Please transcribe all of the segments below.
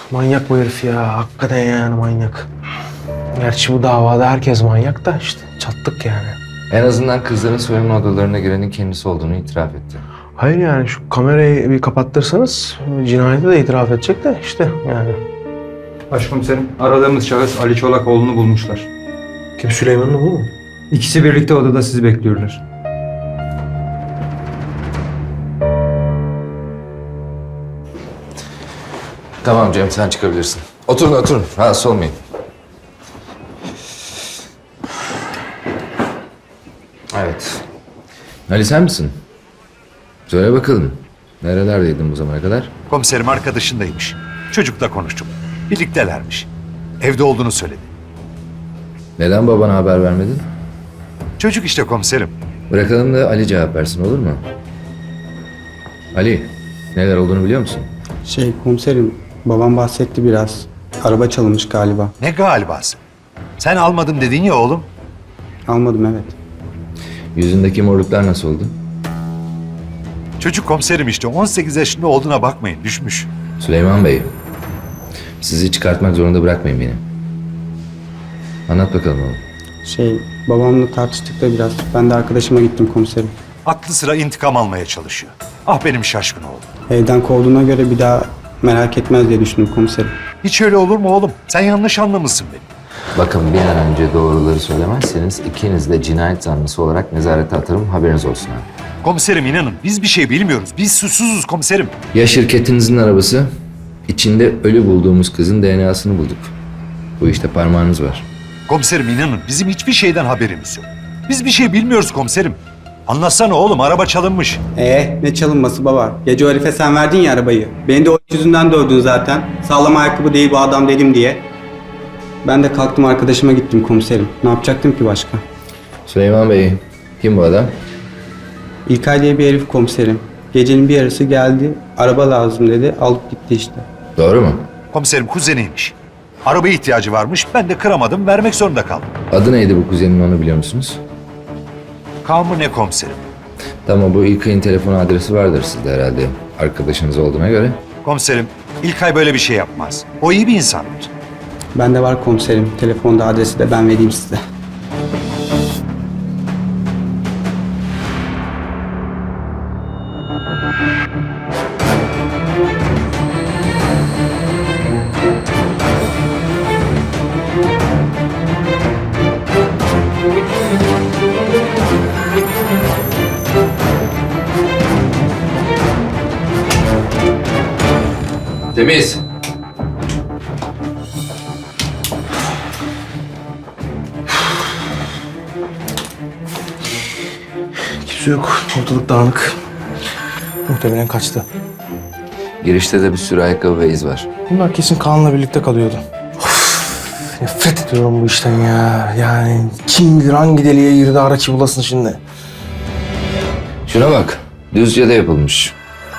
Manyak bu herif ya. Hakikaten yani manyak. Gerçi bu davada herkes manyak da işte çattık yani. En azından kızların soyunma odalarına girenin kendisi olduğunu itiraf etti. Hayır yani şu kamerayı bir kapattırsanız cinayeti de itiraf edecek de işte yani. Başkomiserim, aradığımız şahıs Ali Çolakoğlu'nu bulmuşlar. Kim, Süleyman'ın bu mu? İkisi birlikte odada sizi bekliyorlar. Tamam Cem, sen çıkabilirsin. Oturun, oturun. Rahatsız olmayın. Evet. Ali sen misin? Söyle bakalım. Nerelerdeydin bu zamana kadar? Komiserim arkadaşındaymış. Çocukla konuştum. Birliktelermiş. Evde olduğunu söyledi. Neden babana haber vermedin? Çocuk işte komiserim. Bırakalım da Ali cevap versin, olur mu? Ali, neler olduğunu biliyor musun? Komiserim, babam bahsetti biraz. Araba çalınmış galiba. Ne galibası? Sen almadım dedin ya oğlum. Almadım, evet. Yüzündeki morluklar nasıl oldu? Çocuk komiserim işte 18 yaşında olduğuna bakmayın düşmüş. Süleyman Bey, sizi çıkartmak zorunda bırakmayın beni. Anlat bakalım oğlum. Babamla tartıştık da biraz. Ben de arkadaşıma gittim komiserim. Aklı sıra intikam almaya çalışıyor. Ah benim şaşkın oğlum. Evden kovduğuna göre bir daha merak etmez diye düşündüm komiserim. Hiç öyle olur mu oğlum? Sen yanlış anlamışsın beni. Bakın bir an önce doğruları söylemezseniz ikiniz de cinayet zanlısı olarak nezarete atarım, haberiniz olsun ha. Komiserim inanın biz bir şey bilmiyoruz. Biz suçsuzuz komiserim. Ya şirketinizin arabası, içinde ölü bulduğumuz kızın DNA'sını bulduk. Bu işte parmağınız var. Komiserim inanın bizim hiçbir şeyden haberimiz yok. Biz bir şey bilmiyoruz komiserim. Anlatsana oğlum araba çalınmış. Ne çalınması baba? Gece o herife sen verdin ya arabayı. Beni de o yüzünden dövdün zaten. Sağlam ayakkabı değil bu adam dedim diye. Ben de kalktım arkadaşıma gittim komiserim. Ne yapacaktım ki başka? Süleyman Bey, kim bu adam? İlkay diye bir herif komiserim. Gecenin bir yarısı geldi. Araba lazım dedi. Alıp gitti işte. Doğru mu? Komiserim kuzeniymiş. Arabaya ihtiyacı varmış. Ben de kıramadım. Vermek zorunda kaldım. Adı neydi bu kuzenin, onu biliyor musunuz? Kaan mı ne komiserim? Tamam, bu İlkay'ın telefon adresi vardır sizde herhalde. Arkadaşınız olduğuna göre. Komiserim İlkay böyle bir şey yapmaz. O iyi bir insandır. Bende var komiserim. Telefonda adresi de ben vereyim size. Temiz. Kimse yok. Ortalık dağınık. Muhtemelen kaçtı. Girişte de bir sürü ayakkabı ve iz var. Bunlar kesin Kaan'la birlikte kalıyordu. Of, nefret ediyorum bu işten ya. Yani kim bilir hangi deliğe girdi ara ki bulasın şimdi. Şuna bak, Düzce'de yapılmış.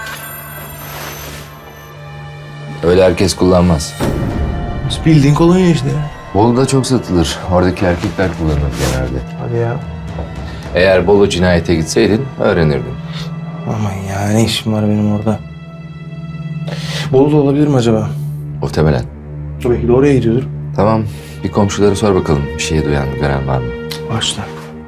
Öyle herkes kullanmaz. Bildiğin kolonya işte ya. Bolu'da çok satılır. Oradaki erkekler kullanır genelde. Hadi ya. Eğer Bolu cinayete gitseydin öğrenirdin. Aman ya ne işim var benim orada. Bolu da olabilir mi acaba? Muhtemelen. Belki de oraya gidiyordur. Tamam, bir komşuları sor bakalım. Bir şey duyan, gören var mı? Başla.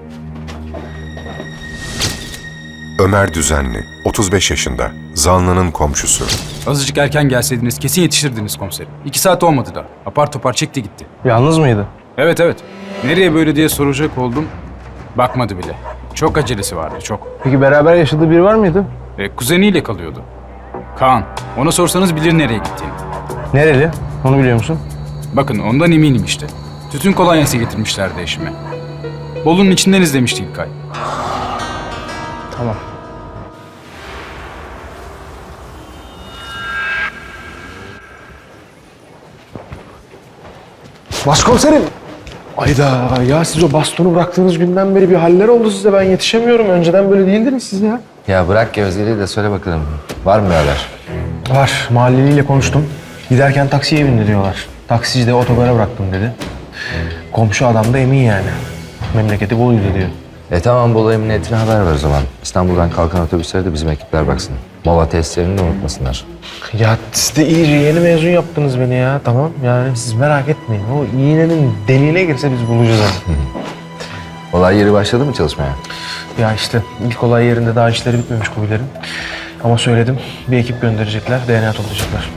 Ömer Düzenli, 35 yaşında, zanlının komşusu. Azıcık erken gelseydiniz kesin yetişirdiniz komiserim. 2 saat olmadı da. Apar topar çekti gitti. Yalnız mıydı? Evet. Nereye böyle diye soracak oldum. Bakmadı bile. Çok acelesi vardı, çok. Peki beraber yaşadığı biri var mıydı? Kuzeniyle kalıyordu. Kaan. Ona sorsanız bilir nereye gittiğini. Nereli? Onu biliyor musun? Bakın ondan eminim işte. Tütün kolonyası getirmişlerdi eşime. Bolu'nun içinden izlemişti İlkay. Tamam. Başkomiserim. Ayda ya siz o bastonu bıraktığınız günden beri bir haller oldu size. Ben yetişemiyorum. Önceden böyle değildiniz siz ya. Ya bırak gevezeliği de söyle bakalım. Var mı bir haber? Var. Mahalleliyle konuştum. Giderken taksiye bindi diyorlar. Taksici de otogara bıraktım dedi. Komşu adam da emin yani. Memleketi Bolu'ydu diyor. Tamam, Bolu Emniyetine haber ver o zaman. İstanbul'dan kalkan otobüslere de bizim ekipler baksın. Mola testlerini de unutmasınlar. Ya siz de iyice yeni mezun yaptınız beni ya. Tamam yani siz merak etmeyin. O iğnenin deliğine girse biz bulacağız onu. Olay yeri başladı mı çalışmaya? Ya işte ilk olay yerinde daha işleri bitmemiş Kubiler'in. Ama söyledim bir ekip gönderecekler, DNA toplayacaklar.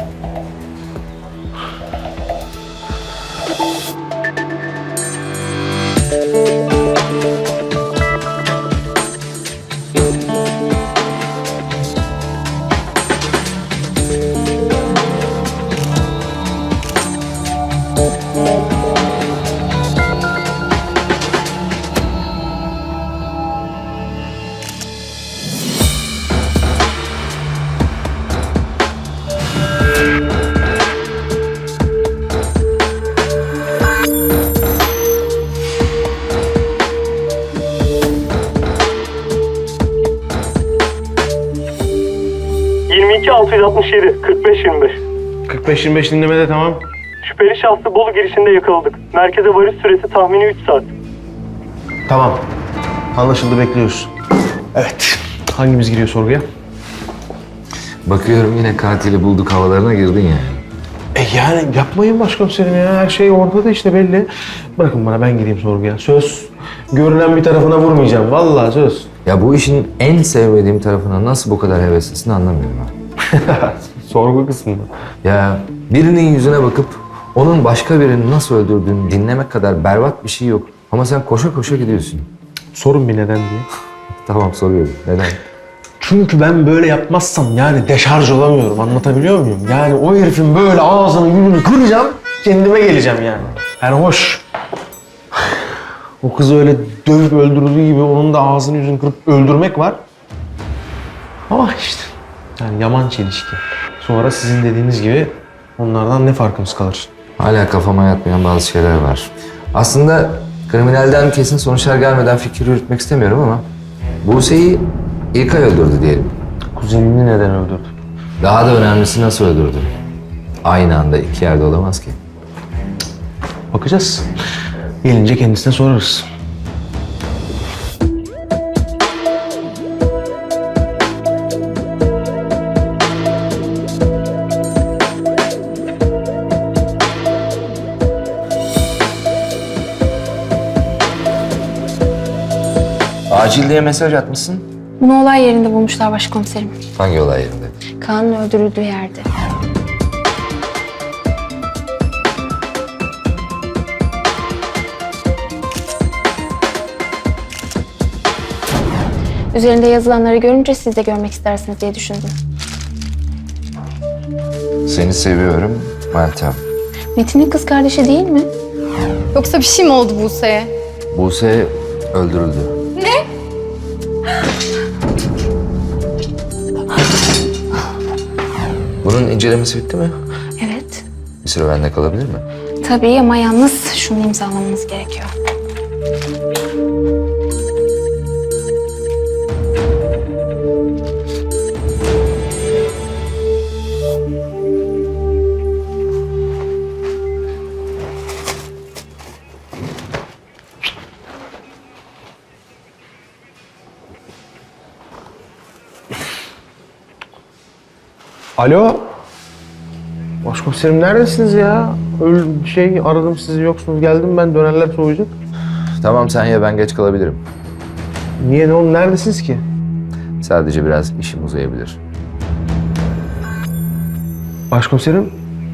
...22 667 45 25. 45-25 dinlemede tamam. Şüpheli şahsı Bolu girişinde yakaladık. Merkeze varış süresi tahmini 3 saat. Tamam. Anlaşıldı, bekliyoruz. Evet. Hangimiz giriyor sorguya? Bakıyorum yine katili bulduk havalarına girdin yani. Yani yapmayın başkomiserim ya. Her şey ortada işte belli. Bırakın bana, ben gireyim sorguya. Söz. Görünen bir tarafına vurmayacağım. Vallahi söz. Ya bu işin en sevmediğim tarafına nasıl bu kadar heveslisin anlamıyorum ha. Sorgu kısmında. Ya birinin yüzüne bakıp onun başka birini nasıl öldürdüğünü dinlemek kadar berbat bir şey yok. Ama sen koşa koşa gidiyorsun. Sorun bir neden diye. Tamam soruyorum. Neden? Çünkü ben böyle yapmazsam yani deşarj olamıyorum. Anlatabiliyor muyum? Yani o herifin böyle ağzını yüzünü kıracağım, kendime geleceğim yani. Yani hoş. O kızı öyle dövüp öldürdüğü gibi onun da ağzını yüzünü kırıp öldürmek var. Ama işte yani yaman çelişki. Sonra sizin dediğiniz gibi onlardan ne farkımız kalır? Hala kafama yatmayan bazı şeyler var. Aslında kriminalden kesin sonuçlar gelmeden fikir yürütmek istemiyorum ama Buse'yi İlkay öldürdü diyelim. Kuzenini neden öldürdü? Daha da önemlisi nasıl öldürdü? Aynı anda iki yerde olamaz ki. Bakacağız. Gelince kendisine sorarız. Acil diye mesaj atmışsın. Bunu olay yerinde bulmuşlar başkomiserim. Hangi olay yerinde? Kaan'ın öldürüldüğü yerde. Üzerinde yazılanları görünce siz de görmek istersiniz diye düşündüm. Seni seviyorum Meltem. Metin'in kız kardeşi değil mi? Yoksa bir şey mi oldu Buse'ye? Buse öldürüldü. Bunun incelemesi bitti mi? Evet. Bir süre bende kalabilir mi? Tabii ama yalnız şunu imzalamanız gerekiyor. Alo. Başkomiserim neredesiniz ya? Aradım sizi, yoksunuz. Geldim ben, dönerler soğuyacak. Tamam sen ye ben geç kalabilirim. Niye, ne oldu, neredesiniz ki? Sadece biraz işim uzayabilir. Başkomiserim.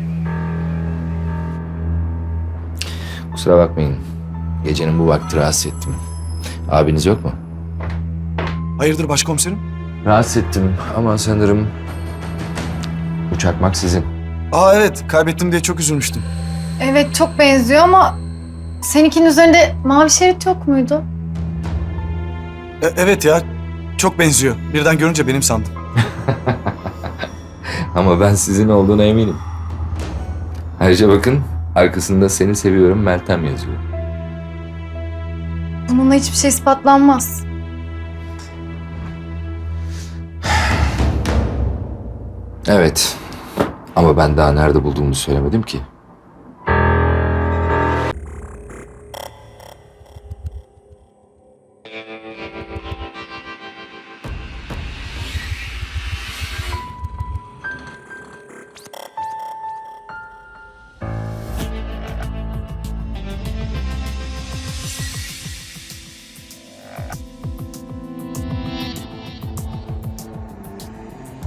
Kusura bakmayın. Gecenin bu vakti rahatsız ettim. Abiniz yok mu? Hayırdır başkomiserim? Rahatsız ettim ama sanırım bu çakmak sizin. Aa evet, kaybettim diye çok üzülmüştüm. Evet çok benziyor ama seninkinin üzerinde mavi şerit yok muydu? Evet ya, çok benziyor. Birden görünce benim sandım. Ama ben sizin olduğuna eminim. Ayrıca bakın arkasında seni seviyorum Meltem yazıyor. Bununla hiçbir şey ispatlanmaz. Evet. Ama ben daha nerede bulduğumu söylemedim ki.